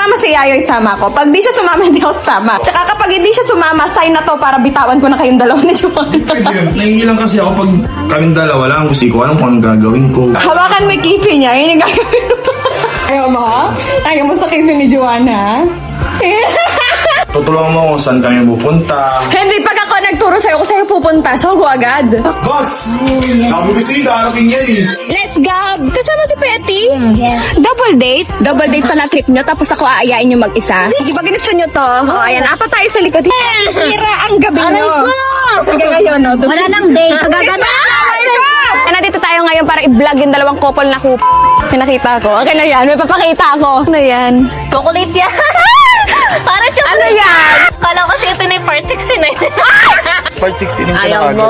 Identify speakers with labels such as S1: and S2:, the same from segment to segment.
S1: sumama si Yayoy, sama ko. Pag di siya sumama, hindi ako sama. Tsaka kapag hindi siya sumama, sign na to para bitawan ko na kayong dalawa ni Joanna.
S2: Naiilang kasi ako pag kaming dalawa lang. Gusto ko alam kung anong gagawin ko.
S1: Hawakan mo yung kipi niya, yun yung gagawin mo. Ayaw mo? Ayaw mo sa kipi ni Joanna?
S2: Tutulungan mo kung saan kami pupunta.
S1: Henry, pag ako nagturo sa'yo kung sa'yo pupunta, so go agad.
S2: Boss! Sabi ko sa'yo, harapin yan eh.
S1: Let's go! Kasama si Petty? Yes. Double date? Double date pala trip nyo, tapos ako aayain nyo mag-isa. Sige, pag gusto nyo to, ayan, apat tayo sa likod. Sira ang gabi nyo. Sige ngayon, no?
S3: Wala nang date. Pagagana.
S1: Nandito tayo ngayon para i-vlog yung dalawang couple na pinakita ko. Okay na yan, may papakita ako. Ano yan?
S3: Chocolate yan. Para chocolate.
S1: Ano yan?
S3: Kala ko kasi ito na yung part 69.
S2: Part 16 yung
S3: Ayaw mo?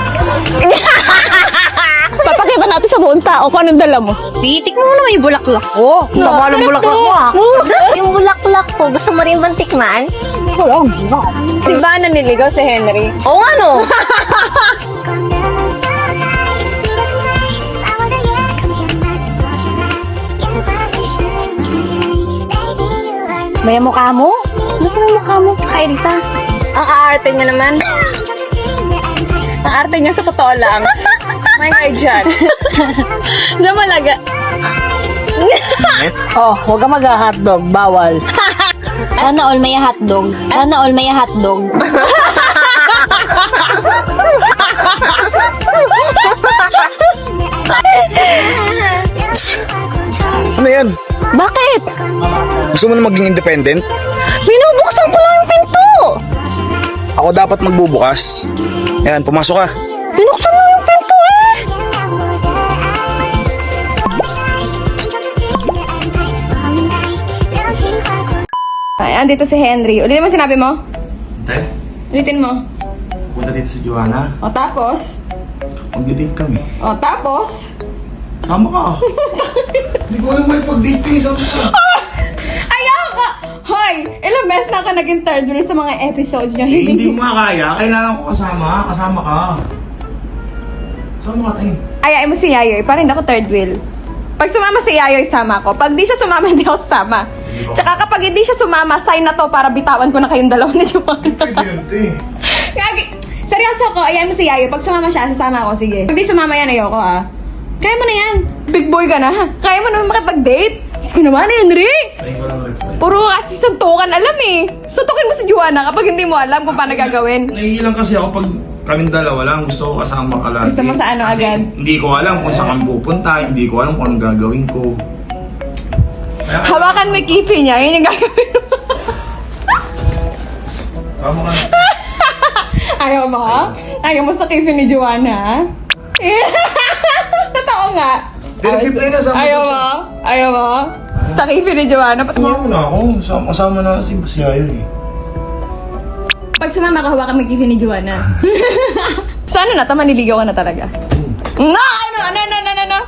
S1: Papakita natin sa buong tao kung anong dala mo.
S3: Titik mo naman yung bulaklak ko.
S1: Tama ng bulaklak mo, ah.
S3: Yung bulaklak ko, gusto mo rin bang tikman?
S1: Diba naniligaw si Henry?
S3: Oo nga no. May mukha mo? Gusto mo yung mukha mo? Kay Rita.
S1: Ang aarte niya naman. Ang arte niya sa totoo lang. May kayo dyan. Diyan malaga.
S3: Oh, huwag ka mag-hotdog. Bawal. Sana all may hotdog. Sana all may hotdog.
S2: Ano yan?
S3: Bakit?
S2: Gusto mo na maging independent?
S3: Binubuksan ko lang yung pinto.
S2: Ako dapat magbubukas. Ayan, pumasok ka.
S3: Binuksan mo yung pinto eh.
S1: Ay, andito si Henry. Ulitin mo sinabi mo?
S2: Tay,
S1: Ulitin mo.
S2: punta dito si Joanna.
S1: O tapos?
S2: Mag-date kami.
S1: O tapos?
S2: Sama ka. Hindi ko alam may pag-date eh. Sama ka.
S1: Ayaw ka! Hoy! Ilang beses na ako naging third wheel sa mga episodes niyo.
S2: Hindi mo makakaya. Kailangan ko kasama. Kasama ka. Sama ka, tay.
S1: Ayain mo si Yayoy, para hindi ako third wheel. Pag sumama si Yayoy, sama ko. Pag di siya sumama, hindi ako sama.
S2: Sige po.
S1: Tsaka kapag hindi siya sumama, sign na to para bitawan ko na kayong dalawa ni Joanna.
S2: Pwede yun, tay.
S1: Seryoso ko, ayain mo si Yayoy. Pag sumama siya, sasama ako. Sige. Pag di sumama yan, ayoko ah. Kaya mo na yan. Big boy ka na. Kaya mo naman makipag-date. Diyos ko naman, Henry.
S2: Tay ko lang rin.
S1: Puro kasi suntukan alam eh. Suntukin mo si Joanna kapag hindi mo alam kung paano gagawin.
S2: Naiilang kasi ako pag kaming dalawa lang. Gusto ko kasama ka lagi.
S1: Gusto mo sa ano
S2: Kasi
S1: agad?
S2: Hindi ko alam kung saan kami pupunta. Hindi ko alam kung anong gagawin ko. Kaya,
S1: Hawakan mo yung kipi niya, yun yung gagawin mo.
S2: Tama ka.
S1: Ayaw mo? Ayaw mo sa kipi ni Joanna? Totoo nga.
S2: Nag-replay na sa
S1: Ayaw mo? Ayaw mo? Sa kipi ni Joanna?
S2: Tumama na ako. Kasama na si Basiayo eh.
S1: Pag sumama ka, hawakan mo yung kipi ni Joanna. So ano na to? Maniligaw ka na talaga? No! Ano?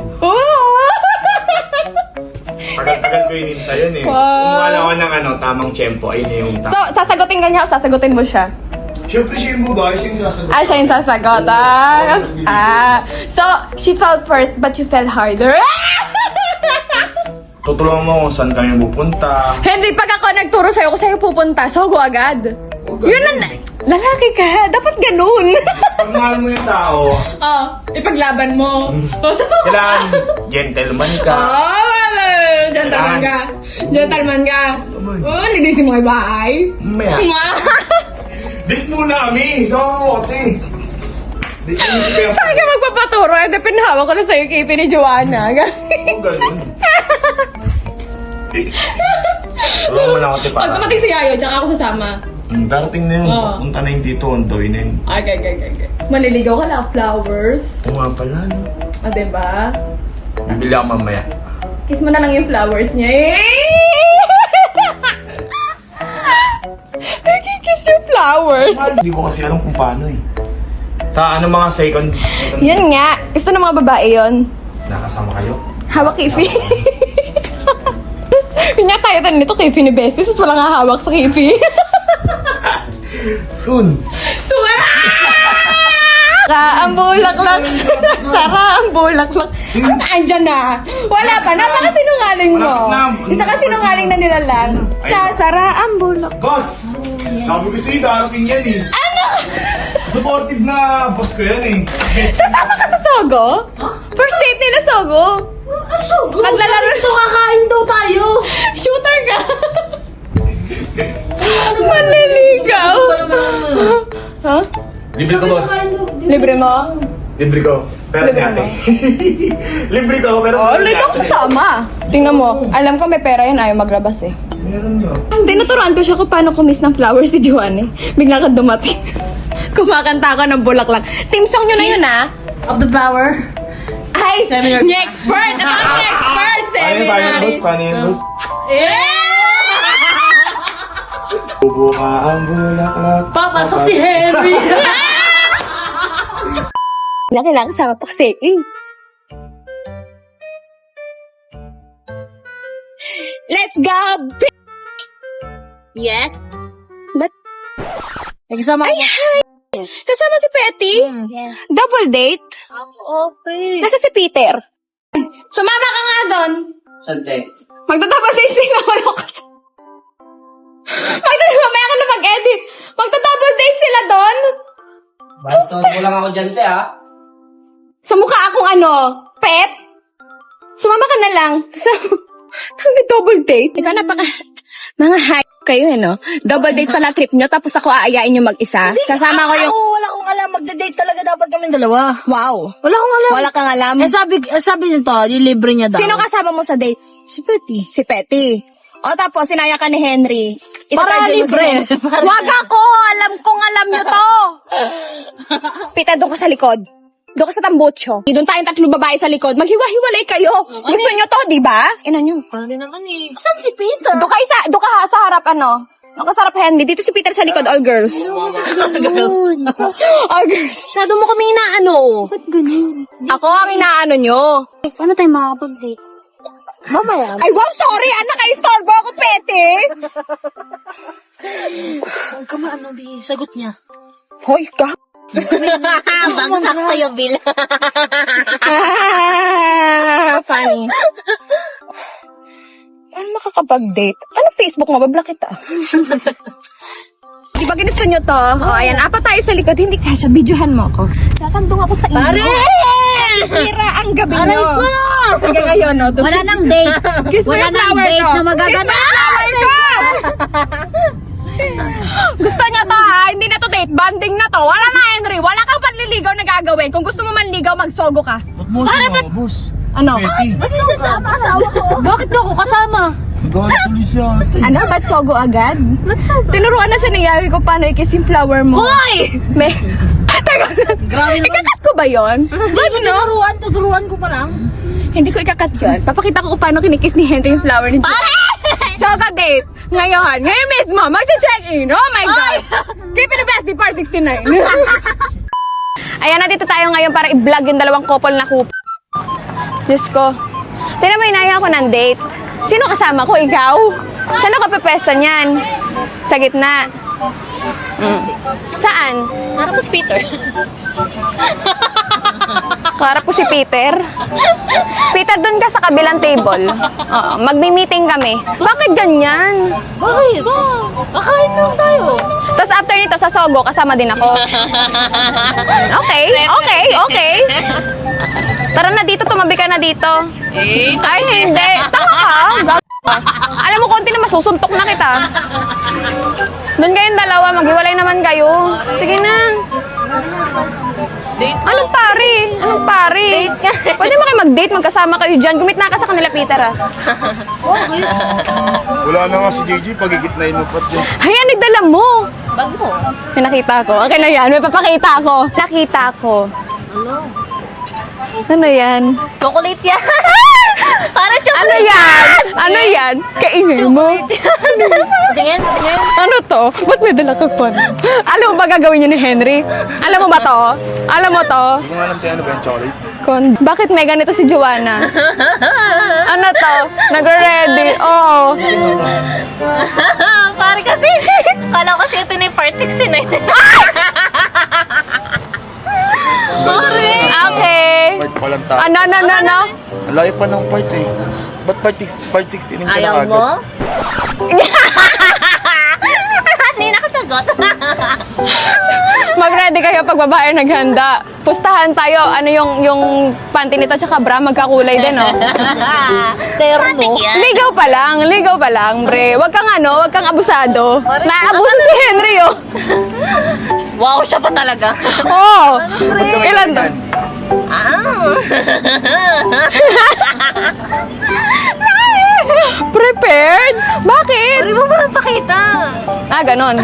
S2: Tagal-tagal ko hinintay yun eh.
S1: Wow.
S2: Kumuha lang ako ng tamang tempo. Ayun na yung
S1: So, sasagutin ka niya o sasagutin mo siya?
S2: Siyempre siya yung babae, siya yung sasagot.
S1: Ah, siya yung sasagot. So, she fell first, but you fell harder.
S2: Tutulungan mo kung saan kami pupunta.
S1: Henry, pag ako nagturo sa'yo kung sa'yo pupunta, so go agad.
S2: Huwag
S1: Yun ang... Lalaki ka, dapat ganun.
S2: Pag mahal mo yung tao,
S1: Ipaglaban mo. Sasuko
S2: kailangan gentleman ka.
S1: wala. Gentleman ka. Gentleman ka. Linisin mo yung bahay.
S2: Mamaya. Date muna kami. Sama mo kasi. Date mo si Kuya.
S1: Saan ka magpapaturo? Eh, pinahawak ko na sa'yo kipi ni Joanna.
S2: Huwag ganun. Tulungan mo lang ako
S1: Pag
S2: para.
S1: tumating si Yayo, tsaka ako sasama.
S2: Darating na yun.
S1: Oo.
S2: Punta na yung dito. Ang tawin na yun.
S1: Okay. Maliligaw ka na, flowers.
S2: Oo nga pala, no?
S1: O, diba?
S2: Bibili ako mamaya.
S1: Kiss mo na lang yung flowers niya. Kiss yung flowers.
S2: Hindi ko kasi alam kung paano eh. Sa mga second
S1: Yan nga. Gusto ng mga babae yon.
S2: nakasama kayo?
S1: Hawak kifi. Pinakayatan nito kifi ni Bestie. Sus walang hahawak sa kifi.
S2: Soon.
S1: Suwera! Sara ang bulaklak. Sara ang bulaklak. Andyan na. Wala pa. Napakasinungaling mo.
S2: Malapit na.
S1: Isa ka sinungaling na nilalang. Sara ang bulaklak.
S2: Boss! Sabi ko sa'yo, darating yan eh. Ano? Supportive na boss ko yan eh.
S1: Sasama ka sa Sogo? First date nila Sogo?
S3: Sugo!
S1: Maglalaro.
S3: Ito kakain daw tayo!
S1: Shooter ka. Manliligaw. Ha?
S2: Libre ko, boss.
S1: Libre mo?
S2: Libre ko. Pero
S1: Libre
S2: ate. Libre ko, pero
S1: Oh, ulit kang sasama. Tingnan mo. Alam ko may pera yan. Ayaw maglabas eh.
S2: Meron nyo.
S1: Tinuturuan ko siya kung paano kumis ng flowers si Juan eh. Bigla kang dumating. Kumakanta ka ng bulaklak. Team song nyo na yun ah.
S3: Of the flower.
S1: Ay, yung expert! Ito ang expert!
S2: Paano yun,
S1: Seminary!
S2: boss? Paano yun, boss?
S1: Yeah!
S2: Bubuka ang bulaklak.
S3: Papasok si Henry!
S1: Kailangan kasama pa kasi eh. Let's go!
S3: Yes?
S1: Ba't?
S3: Nagsama
S1: Ay, hi! Kasama si Petty?
S3: Yeah.
S1: Double date?
S3: Okay.
S1: Nasa si Peter. Sumama ka nga doon.
S4: Sante.
S1: Magta-double date sila. Wala ka. Mamaya ka na mag-edit. Magta-double date sila doon.
S4: Basta mo lang ako dyan, te, ha?
S1: Sumukha akong pet. Sumama ka na lang. Tang double date. Ikaw mga hype kayo no? Double date pala trip nyo tapos ako aayain nyo mag-isa. Kasama ko yung...
S3: Wala akong alam. Magda-date talaga dapat kami dalawa.
S1: Wow.
S3: Wala akong alam.
S1: Wala kang alam.
S3: sabi nito, libre niya daw.
S1: Sino kasama mo sa date?
S3: Si Petty.
S1: Si Petty. O tapos sinaya ka ni Henry.
S3: Para
S1: Itatadyo mo
S3: libre.
S1: si Henry. Wag ako! Alam nyo to! Pita, doon ka sa likod. Doon ka sa tambocho. Doon tayong tatlong babae sa likod. Maghiwa-hiwalay kayo. Gusto nyo to, di ba? Ina nyo.
S3: Paano naman eh? Saan si Peter?
S1: Doon ka sa harap, Doon ka sa harap, Henry. Dito si Peter sa likod, all girls. All girls.
S3: Masyado mo kami inaano. Ba't ganun?
S1: Ako ang inaano nyo.
S3: Paano tayo makakapag-date? Mamaya.
S1: Ay, wow, sorry. Naka-istorbo ako, Pete.
S3: Huwag ka maano, Bi. Sagot niya.
S1: Hoy, ka.
S3: Bagsak sa'yo, Bill.
S1: Funny. Paano makakapag-date? Ano Facebook mo? Bablock kita. Di ba ginusto nyo to? O, ayan. Apat tayo sa likod. Hindi kasha. Videohan mo ako. Tatandong ako sa inyo.
S3: Pare!
S1: Sira ang gabi
S3: Aray
S1: nyo.
S3: ko!
S1: Sige ngayon, no?
S3: Wala nang date.
S1: Kiss mo
S3: Wala
S1: yung
S3: nang
S1: flower
S3: date
S1: ko.
S3: na magaganda.
S1: Kiss mo yung flower ko! Gusto niya to ha? Hindi na to date. Banding na to. Wala na, Henry. Wala kang panliligaw na gagawin. Kung gusto mo manligaw, magsogo ka.
S2: Ba't mo sumama, boss?
S1: Ano?
S2: Petty.
S3: Ba't yung sasama asawa ko? Bakit daw ako kasama?
S2: Galit tuloy siya, ate.
S1: Ano? Ba't sogo agad?
S3: Ba't sabi?
S1: Tinuruan na siya ni Yawi kung paano i-kiss yung flower mo.
S3: Hoy!
S1: May... Teka,
S3: Grabe naman.
S1: ikakat ko ba yun?
S3: Ba't tuturuan ko pa lang.
S1: Hindi ko ikakat yun. Papakita ko kung paano kinikiss ni Henry yung flower ni Pare! Soga date! Ngayon mismo, magche-check-in! Oh my God! Keep it the best, di part 69. Ayan, nandito tayo ngayon para i-vlog yung dalawang couple na couple. Diyos ko. Tignan mo, inaya ako ng date. Sino kasama ko? Ikaw? Saan ako pepesta niyan? Sa gitna. Saan?
S3: Harap mo si Peter.
S1: Harap ko si Peter. Peter, doon ka sa kabilang table. Oo, magmi-meeting kami. Bakit ganyan?
S3: Bakit? Kakain lang tayo.
S1: Tapos after nito, sa Sogo, kasama din ako. Okay. Tara na dito, tumabi ka na dito. Ay, hindi. Tama ka. Alam mo, konti na masusuntok na kita. Doon kayong dalawa, maghiwalay naman kayo. Sige na. Anong pare? Pwede mo kayo mag-date, magkasama kayo dyan. Gumitna ka sa kanila, Peter, ah.
S2: Wala na nga si JJ, pagigitnain mo pat din.
S1: Ayan, nagdala mo.
S3: Bag mo.
S1: May nakita ko. Okay na yan, may papakita ko. Nakita ko. Ano yan?
S3: Chocolate yan. Para chocolate.
S1: Ano yan? Kainin mo.
S3: Tingin.
S1: Ano to? Ba't may dala ka pa? Alam mo ba gagawin niya ni Henry? Alam mo ba to? Alam mo to?
S2: Hindi ko nga alam tayo ano ba yung chocolate.
S1: Bakit may ganito si Joanna? Ano to? Nagre-ready. Oo.
S3: Pare kasi. Kala ko kasi ito na yung part 69.
S2: ko lang tayo.
S1: Ano?
S2: Ang layo pa ng part eh. Ba't part 16 yung
S3: Ayaw mo? Hindi nakasagot.
S1: Mag-ready kayo pag babae naghanda. Pustahan tayo. Ano yung panty nito tsaka bra, magkakulay din, oh.
S3: Terno.
S1: Ligaw pa lang, bre. Wag kang abusado. Naabuso si Henry, oh.
S3: Wow, siya pa talaga.
S1: Oo. Ilan to? Prepared? Bakit?
S3: Hindi mo ba pakita?
S1: Ganon.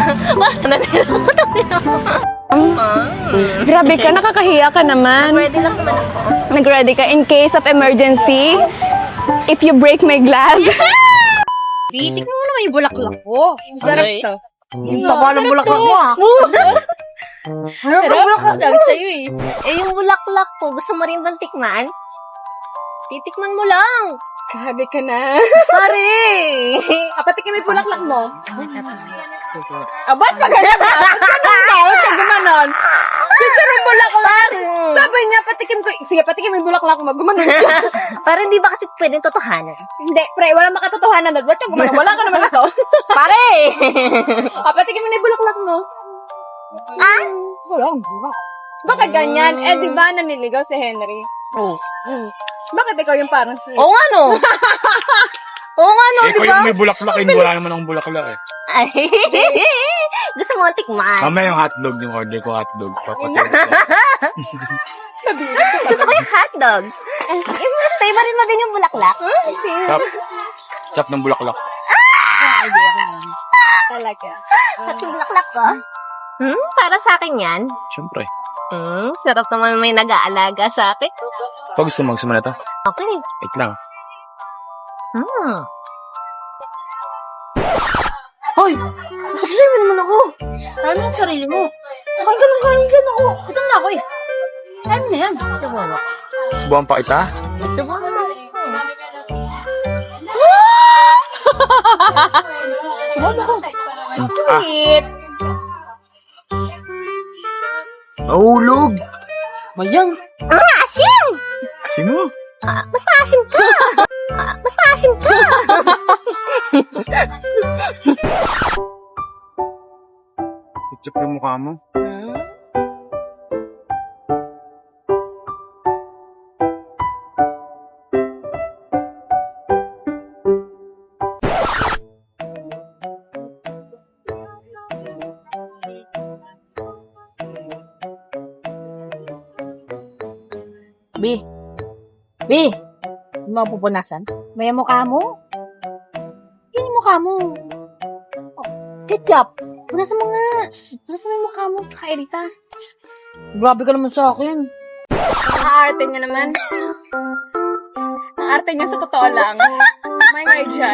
S1: Grabe ka, nakakahiya ka naman.
S3: Pwede lang naman ako.
S1: Nag-ready ka in case of emergency? If you break my glass?
S3: Tikman mo naman yung bulaklak ko. Sarap to.
S5: Ang taba ng bulaklak mo ah.
S3: Sarap bulaklak lang sa'yo eh. Eh yung bulaklak ko, gusto mo rin bang tikman? Titikman mo lang.
S1: Grabe ka na.
S3: Pare!
S1: Patikin mo yung bulaklak mo. Ba't pa ganyan ka? Ba't ganun ka? Huwag ka gumanon. Gusto ng bulaklak. Sabi niya, patikin ko. Sige, patikin mo yung bulaklak mo. Gumanon ka.
S3: Pare, hindi ba kasi pwedeng totohanan?
S1: Hindi, pre, walang makatotohanan doon. Ba't ka gumanon? Wala ka naman ito.
S3: Pare!
S1: Patikin mo na yung bulaklak mo.
S5: Wala.
S1: Bakit ganyan? Di ba naniligaw si Henry?
S5: Oo.
S1: Bakit ikaw yung parang si...
S3: Oo nga no. Oo nga no,
S2: Eh,
S3: di
S2: ko
S3: ba?
S2: yung may bulaklak eh. Wala naman akong bulaklak eh.
S3: Ay, gusto mo tikman.
S2: Mamaya yung hotdog, yung order ko hotdog. Papatulog ko.
S3: Gusto ko yung hotdog. Yung mas favorite mo din yung bulaklak.
S2: Chop. Chop ng bulaklak.
S1: Talaga.
S3: Sa bulaklak ko? Para sa akin yan?
S2: Siyempre.
S3: Sarap naman may nag-aalaga sa akin.
S2: Pag gusto mo na ito.
S3: Okay.
S2: Wait lang.
S5: Hoy! Saksay mo naman ako.
S3: Ano yung sarili mo?
S5: Kain ka lang, kain ka na ako.
S3: Gutom na ako eh. Time na yan.
S2: Subuhan pa kita.
S3: Subukan mo. Sweet.
S2: Nahulog.
S5: Mayang.
S3: Asim!
S2: Asin mo.
S3: Basta asim ka. Basta asim ka.
S2: Chop yung mukha mo.
S5: B. Hindi mo pupunasan?
S3: May mukha mo? Yan yung mukha mo.
S5: Ketchup.
S3: Punasan mo nga. Punasan mo yung mukha mo. Kakairita.
S5: Grabe ka naman sa akin.
S1: Aarte niya naman. Ang arte niya sa totoo lang. May ngay dyan.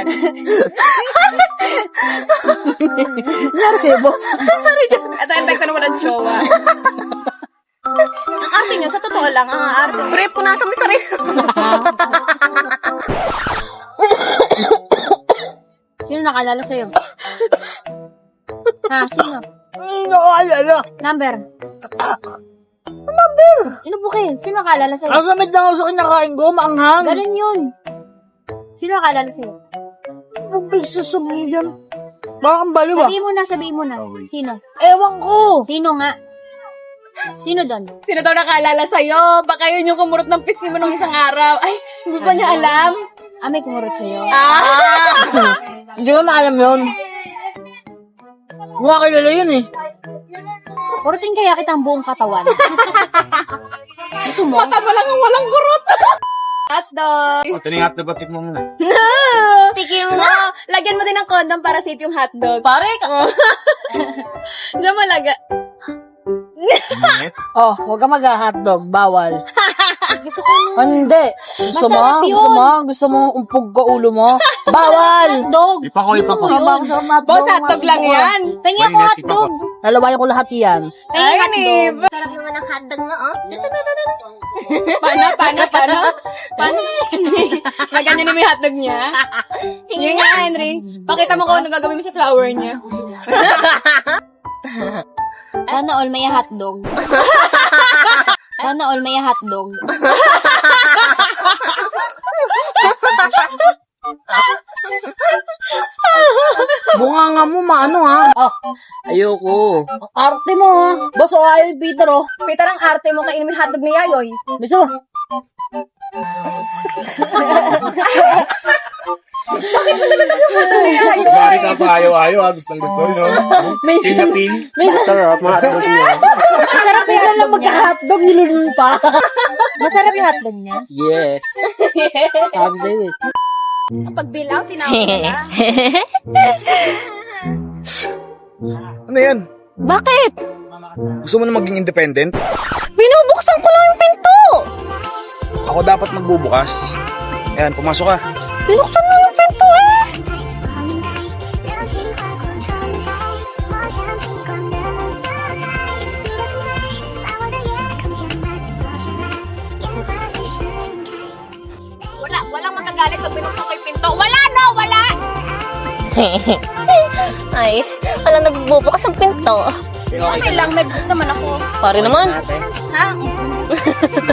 S5: Nangyari sa'yo, boss.
S1: Ito yung bag ko na walang jowa. Ang arte niya sa totoo lang. Ang arte niya.
S3: Pre, punasan mo yung sarili. Sino nakalala sa'yo? Ha? Sino?
S5: Hindi ko alala.
S3: Number? Sino bukin? Sino nakalala sa'yo?
S5: Nasamit lang ako sa kinakain ko, maanghang.
S3: Ganun yun. Sino nakalala sa'yo?
S5: Anong pagsasabi yan? Parang baliw ah.
S3: Sabihin mo na. Sino?
S5: Ewan ko.
S3: Sino nga? Sino doon?
S1: Sino daw nakaalala sa'yo? Baka yun yung kumurot ng pisngi mo nung isang araw. Ay, hindi ba niya alam?
S3: May kumurot sa'yo.
S5: Hindi ko maalam yun. Mukha kilala yun eh.
S3: Kurutin kaya kita ang buong katawan. Gusto mo?
S1: Mata mo lang ang walang kurot. Hotdog.
S2: O, ito na yung hotdog. Batik mo muna.
S3: Tigil mo na.
S1: Lagyan mo din ng condom para safe yung hotdog.
S3: Pare ka.
S1: Diyan mo laga.
S2: Minute.
S5: Oh, huwag ka mag-hotdog. Bawal.
S3: Gusto ko nung
S5: Hindi. Gusto mo?
S3: Masarap yun.
S5: Gusto mo? Gusto mo umpog ka ulo mo? Bawal!
S3: hotdog.
S2: Ipa ko.
S5: Ang sarap na hotdog.
S1: Boss, hotdog lang yan.
S3: Pengi ako
S2: Mainit,
S3: hotdog.
S5: Lalawayan ko lahat yan.
S3: Pengi
S1: Ay,
S3: hotdog.
S1: Nib.
S3: Sarap naman ang hotdog mo, oh.
S1: Paano? Lagyan niya naman yung hotdog niya. Yun nga, Henry. Pakita mo kung ano gagawin mo sa flower niya.
S3: Sana all may hotdog. Sana all may hotdog.
S5: Bunga nga mo, maano ha?
S4: Ayoko.
S5: Arte mo ha? Baso ayaw yung Peter oh.
S1: Peter, ang arte mo kainin mo yung hotdog ni Yayoy.
S5: Biso.
S2: Bakit ka pa ayaw-ayaw ha? Gustong gusto rin, no? Pin na pin.
S4: Sarap, mahal niya.
S5: Masarap minsan lang magka-hotdog, nilunun pa.
S3: Masarap yung hotdog niya.
S4: Yes. Sabi sa'yo eh.
S1: Pag bilaw, tinawag nila.
S2: Ano yan?
S3: Bakit?
S2: Gusto mo na maging independent?
S3: Binubuksan ko lang yung pinto.
S2: Ako dapat magbubukas. Ayan, pumasok ka.
S3: Binuksan mo yung pinto eh.
S6: 流星划过窗台，我想起光的色彩。你的滋味把我的夜空填满，多绚烂，烟花在盛开。
S1: Walang magagalit pag binuksan ko yung pinto. Wala, no! Wala!
S3: Ay, wala nagbubukas ang pinto.
S1: Okay lang, may gusto naman ako.
S3: Pare naman.
S1: Ha?